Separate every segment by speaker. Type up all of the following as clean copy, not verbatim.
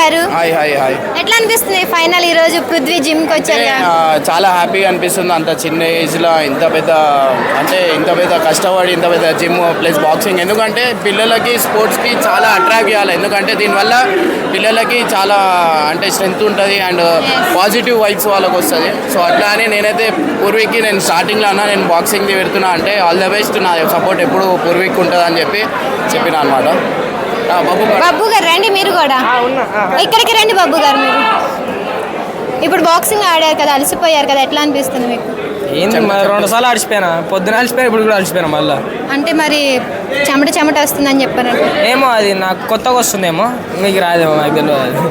Speaker 1: గారు.
Speaker 2: Hi hi hi.
Speaker 1: ఎట్లా అనిపిస్తుంది ఫైనల్ ఈ రోజు పృథ్వీ జిమ్ కి వచ్చారు?
Speaker 2: చాలా హ్యాపీగా అనిపిస్తుంది. అంత చిన్న ఏజ్లో ఇంత పెద్ద కష్టపడి ఇంత పెద్ద జిమ్ ప్లస్ బాక్సింగ్. ఎందుకంటే పిల్లలకి స్పోర్ట్స్కి చాలా అట్రాక్ట్ చేయాలి. ఎందుకంటే దీనివల్ల పిల్లలకి చాలా స్ట్రెంగ్త్ ఉంటుంది అండ్ పాజిటివ్ వైబ్స్ వాళ్ళకి వస్తుంది. సో అట్లా అని నేనైతే పూర్వీకి నేను స్టార్టింగ్లో నేను బాక్సింగ్ది పెడుతున్నా అంటే ఆల్ ద బెస్ట్, నా సపోర్ట్ ఎప్పుడు పూర్వీకి ఉంటుంది అని చెప్పిన అనమాట.
Speaker 1: బాబు గారు రండి, మీరు కూడా ఇక్కడికి రండి. బాబు గారు మీరు ఇప్పుడు బాక్సింగ్ ఆడారు కదా, అలసిపోయారు కదా, ఎట్లా అనిపిస్తుంది మీకు?
Speaker 3: ఏంది 2 సార్లు అడిచిపోయినా, పొద్దున అలసిపోయినా, ఇప్పుడు కూడా అలసిపోయినా మళ్ళీ.
Speaker 1: అంటే మరి చెమట వస్తుందని చెప్పారంటే
Speaker 3: ఏమో అది నాకు కొత్తగా వస్తుందేమో, మీకు రాదేమో, నాకు తెలియదు.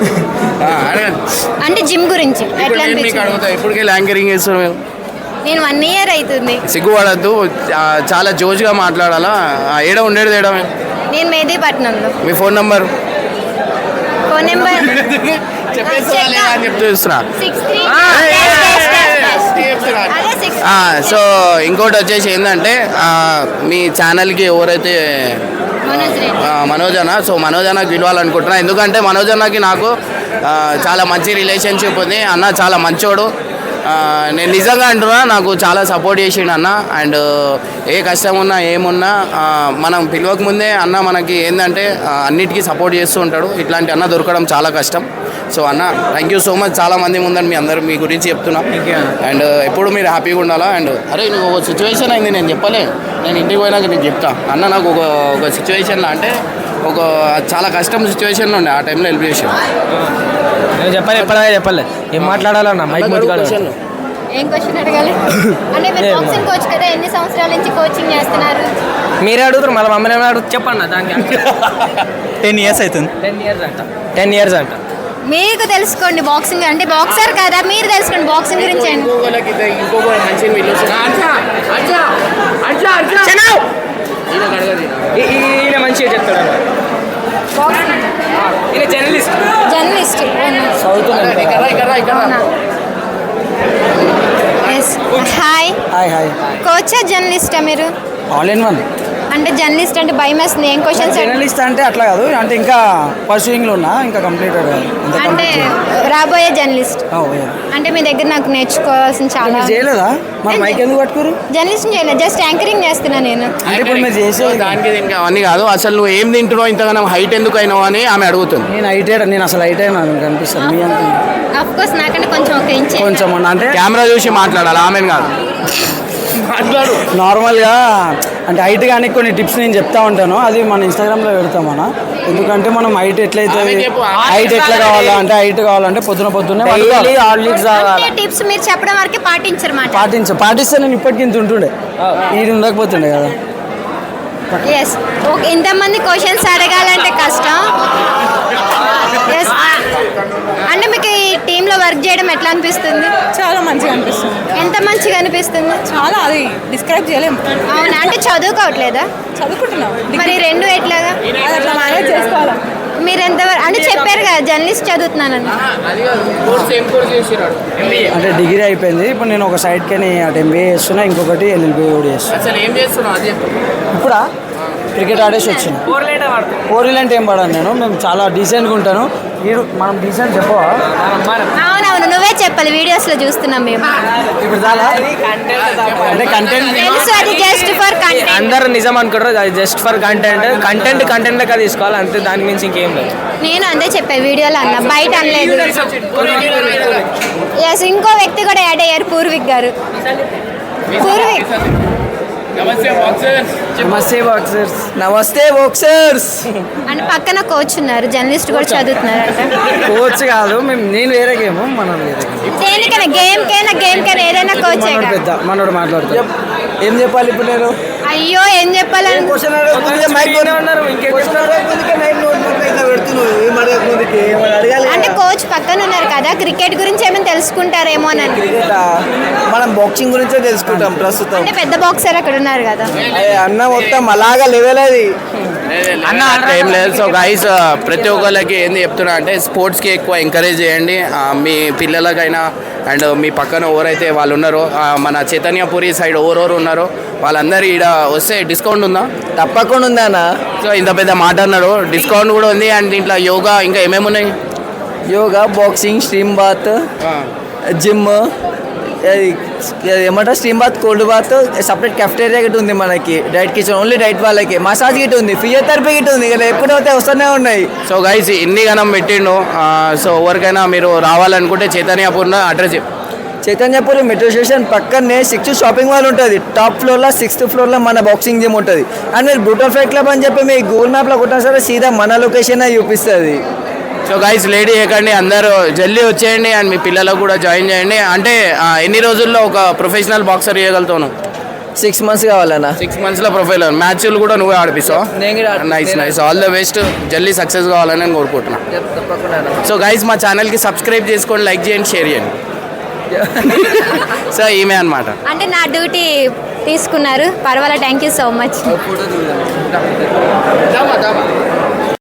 Speaker 1: అంటే జిమ్ గురించి ఎట్లా అనిపిస్తుంది?
Speaker 2: ఇప్పటికే యాంకరింగ్ చేస్తున్నాం మేము.
Speaker 1: నేను 1 year అవుతుంది.
Speaker 2: సిగ్గుపడద్దు, చాలా జోష్గా మాట్లాడాలా. ఏడ ఉండేది ఏడా?
Speaker 1: నేను మెహదీపట్నంలో.
Speaker 2: మీ ఫోన్ నెంబర్ చెప్తున్నా. సో ఇంకోటి వచ్చేసి ఏంటంటే మీ ఛానల్కి ఎవరైతే మనోజ్ అన్నకి పిలవాలనుకుంటున్నా. ఎందుకంటే మనోజ్ అన్నకి నాకు చాలా మంచి రిలేషన్షిప్ ఉంది. అన్న చాలా మంచోడు. నేను నిజంగా అంటున్నా, నాకు చాలా సపోర్ట్ చేసిండు అన్న. అండ్ ఏ కష్టం ఉన్నా ఏమున్నా మనం పిలవక ముందే అన్న మనకి ఏంటంటే అన్నిటికీ సపోర్ట్ చేస్తూ ఉంటాడు. ఇట్లాంటి అన్న దొరకడం చాలా కష్టం. సో అన్న థ్యాంక్ యూ సో మచ్. చాలా మంది ముందని మీ గురించి చెప్తున్నా. అండ్ ఎప్పుడు మీరు హ్యాపీగా ఉండాలా. అండ్ అరే నువ్వు ఒక సిచ్యువేషన్ అయింది, నేను చెప్పలే, నేను ఇంటికి పోయినాక నేను చెప్తా. అన్న నాకు ఒక సిచ్యువేషన్లో చాలా కష్టం సిచ్యువేషన్లో ఉండే, ఆ టైంలో హెల్ప్ చేసాను.
Speaker 3: నేను చెప్పలే ఏం మాట్లాడాలన్నా మైక్
Speaker 1: ఏం క్వశ్చన్ అడగాలి? అంటే మీరు బాక్సింగ్ కోచ్ కదా, ఎన్ని సంవత్సరాల నుంచి కోచింగ్ చేస్తున్నారు?
Speaker 3: మీరే అడుగుతారు, మళ్ళీ మమ్మల్ని ఏమైనా అడుగుతారు చెప్పండి. దానికి
Speaker 4: 10 years అవుతుంది.
Speaker 3: 10 years అంట.
Speaker 1: మీకు తెలుసుకోండి బాక్సింగ్ అంటే, బాక్సర్ కదా మీరు తెలుసుకోండి బాక్సింగ్ గురించి.
Speaker 3: ఈయన మంచిగా చెప్తాడు. ఈయన
Speaker 1: జర్నలిస్ట్. హాయ్. కోచా జర్నలిస్టా మీరు?
Speaker 4: All in one.
Speaker 1: అంటే జర్నలిస్ట్ అంటే భయం వేస్తుంది, ఏం క్వశ్చన్స్?
Speaker 4: జర్నలిస్ట్ అంటే అట్లా కాదు, అంటే ఇంకా పర్సూయింగ్లో ఉన్నా, ఇంకా కంప్లీటెడ్
Speaker 1: అంటే రాబోయే జర్నలిస్ట్. అంటే మీ దగ్గర నాకు నేర్చుకోవాల్సిన చాలా.
Speaker 4: చేయలేదా? మరి మైక్ ఎందుకు పట్టుకోరు?
Speaker 1: జర్నలిస్ట్ చేయలేదు, జస్ట్ యాంకరింగ్ చేస్తున్నా నేను.
Speaker 4: అంటే ఇప్పుడు మీరు చేసే
Speaker 2: దానికి దీనికి అవన్నీ కాదు. అసలు నువ్వు ఏం తింటున్నావు, ఇంతగానో హైట్ ఎందుకు అయినావు అని ఆమె అడుగుతుంది.
Speaker 4: నేను అసలు హైట్ అయినా కనిపిస్తాను మీ అంత.
Speaker 1: ఆఫ్ కోర్స్ నాకంటే కొంచెం
Speaker 4: అంటే
Speaker 2: కెమెరా చూసి మాట్లాడాలి, ఆమె కాదు.
Speaker 4: నార్మల్గా అంటే హైట్ కానీ కొన్ని టిప్స్ నేను చెప్తా ఉంటాను, అది మన ఇన్స్టాగ్రామ్లో పెడతాం అన్న. ఎందుకంటే మనం హైట్ ఎట్లయితే హైట్ ఎట్లా కావాలా అంటే, హైట్ కావాలంటే పొద్దున్నే
Speaker 1: టిప్స్ మీరు చెప్పడం వరకే
Speaker 4: పాటిస్తే నేను ఇప్పటికి ఇంత ఉంటుండే, ఇది ఉండకపోతుండే కదా.
Speaker 1: ఎస్, ఇంతమంది క్వశ్చన్స్ అడగాలంటే కష్టం. అంటే మీకు ఈ టీంలో వర్క్ చేయడం ఎట్లా అనిపిస్తుంది?
Speaker 5: చాలా మంచిగా అనిపిస్తుంది.
Speaker 1: ఎంత మంచిగా అనిపిస్తుంది?
Speaker 5: చాలా, అది డిస్క్రైబ్ చేయలేము.
Speaker 1: అవునా? అంటే చదువుకోవట్లేదా?
Speaker 5: చదువుకుంటున్నాం.
Speaker 1: మరి 2 ఎట్లాగా?
Speaker 5: అది అట్లా మేనేజ్ చేసుకోవాలి.
Speaker 1: మీరు ఎంతవరకు అంటే చెప్పారు కదా జర్నలిస్ట్ చదువుతున్నానని.
Speaker 4: అంటే డిగ్రీ అయిపోయింది, ఇప్పుడు నేను ఒక సైడ్కి అటు MBA చేస్తున్నా, ఇంకొకటి LLB కూడా చేస్తున్నా. ఇప్పుడా క్రికెట్ ఆడేసి వచ్చిన. 4 అంటే ఏం పడాను నేను, మేము చాలా డీసెంట్గా ఉంటాను. మనం డీసెంట్ చెప్పవా?
Speaker 1: అవునవును, నువ్వే చెప్పాలి, వీడియోస్ లో చూస్తున్నాం మేము.
Speaker 4: ఇప్పుడు చాలా అంటే కంటెంట్
Speaker 1: తెలుసు, అది జస్ట్ ఫర్ కంటెంట్.
Speaker 3: అందరూ నిజం అనుకుంటారు, అది జస్ట్ ఫర్ కంటెంట్ లెక్క తీసుకోవాలి అంతే, దాని మించి ఇంకేం లేదు. నేను
Speaker 1: అంతే చెప్పాను వీడియోలో అన్న, బయట అనలేదు. ఎస్, ఇంకో వ్యక్తి కూడా యాడ్ అయ్యారు, పూర్విక్ గారు. పూర్విక్
Speaker 4: నమస్తే బాక్సర్స్.
Speaker 1: అంటే పక్కన కోచ్ ఉన్నారు, జర్నలిస్ట్ కూడా చదువుతున్నారు అంట.
Speaker 4: కోచ్ కాదు, నేను వేరే గేమ్, మనం వేరే
Speaker 1: దేనికైనా గేమ్ కైనా ఏదైనా కోచ్
Speaker 4: పెద్ద మనోడు మాట్లాడుతా. ఏం చెప్పాలి ఇప్పుడు నేను?
Speaker 1: అయ్యో ఏం చెప్పాలని అంటే కోచ్ పక్కన ఉన్నారు కదా, క్రికెట్ గురించి ఏమైనా తెలుసుకుంటారేమో అని.
Speaker 4: మనం బాక్సింగ్ గురించే తెలుసుకుంటాం ప్రస్తుతం.
Speaker 1: అంటే పెద్ద బాక్సర్ అక్కడ ఉన్నారు కదా
Speaker 4: అన్న, మొత్తం అలాగా లెవెల్ అది
Speaker 2: అన్న ఏం లేదు. సో గైస్, ప్రతి ఒక్కళ్ళకి ఏంది చెప్తున్నా అంటే స్పోర్ట్స్కి ఎక్కువ ఎంకరేజ్ చేయండి. మీ పిల్లలకైనా అండ్ మీ పక్కన ఎవరైతే వాళ్ళు ఉన్నారో, మన చైతన్యపురి సైడ్ ఎవరెవరు ఉన్నారో వాళ్ళందరూ ఈడ వస్తే డిస్కౌంట్ ఉందా?
Speaker 4: తప్పకుండా ఉందా అన్న.
Speaker 2: సో ఇంత పెద్ద మాట అన్నాడు, డిస్కౌంట్ కూడా ఉంది. అండ్ దీంట్లో యోగా ఇంకా ఏమేమి ఉన్నాయి?
Speaker 4: Yoga boxing stream bath gym ఏమంటారు steam bath cold bath separate cafeteria గిట్ ఉంది మనకి డైట్ కిచెన్ ఓన్లీ డైట్ వాళ్ళకి మసాజ్ గిట్ ఉంది ఫిజియోథెరపీ గిట్ ఉంది ఇక్కడ ఎప్పుడైతే వస్తూనే ఉన్నాయి.
Speaker 2: సో గైస్ ఇన్ని గణం పెట్టిండు. సో ఎవరికైనా మీరు రావాలనుకుంటే చైతన్యపూర్ణ అడ్రస్
Speaker 4: చైతన్యపురి మెట్రో స్టేషన్ పక్కనే 6th షాపింగ్ మాల్ ఉంటుంది. టాప్ ఫ్లోర్లో 6th ఫ్లోర్లో మన బాక్సింగ్ జిమ్ ఉంటుంది. అండ్ మీరు బ్రూటల్ ఫైట్ క్లబ్ అని చెప్పి మీ గూగుల్ మ్యాప్లో కొట్టినా సరే సీదా మన లొకేషన్ చూపిస్తుంది.
Speaker 2: సో గైస్ లేడీ చేయకండి, అందరూ జల్దీ వచ్చేయండి అండ్ మీ పిల్లలకు కూడా జాయిన్ చేయండి. అంటే ఎన్ని రోజుల్లో ఒక ప్రొఫెషనల్ బాక్సర్ చేయగలుగుతాను?
Speaker 4: 6 months కావాలన్నా.
Speaker 2: 6 monthsలో ప్రొఫైల్ మ్యాచ్లు కూడా నువ్వే ఆడిపిస్తావు. Nice all the best. జల్దీ సక్సెస్ కావాలని నేను కోరుకుంటున్నాను.
Speaker 4: తప్పకుండా.
Speaker 2: సో గైస్ మా ఛానల్కి సబ్స్క్రైబ్ చేసుకోండి, లైక్ చేయండి, షేర్ చేయండి. సో ఈమె అనమాట.
Speaker 1: అంటే నా డ్యూటీ తీసుకున్నారు, పర్వాలేదు, thank you so much.
Speaker 4: Photo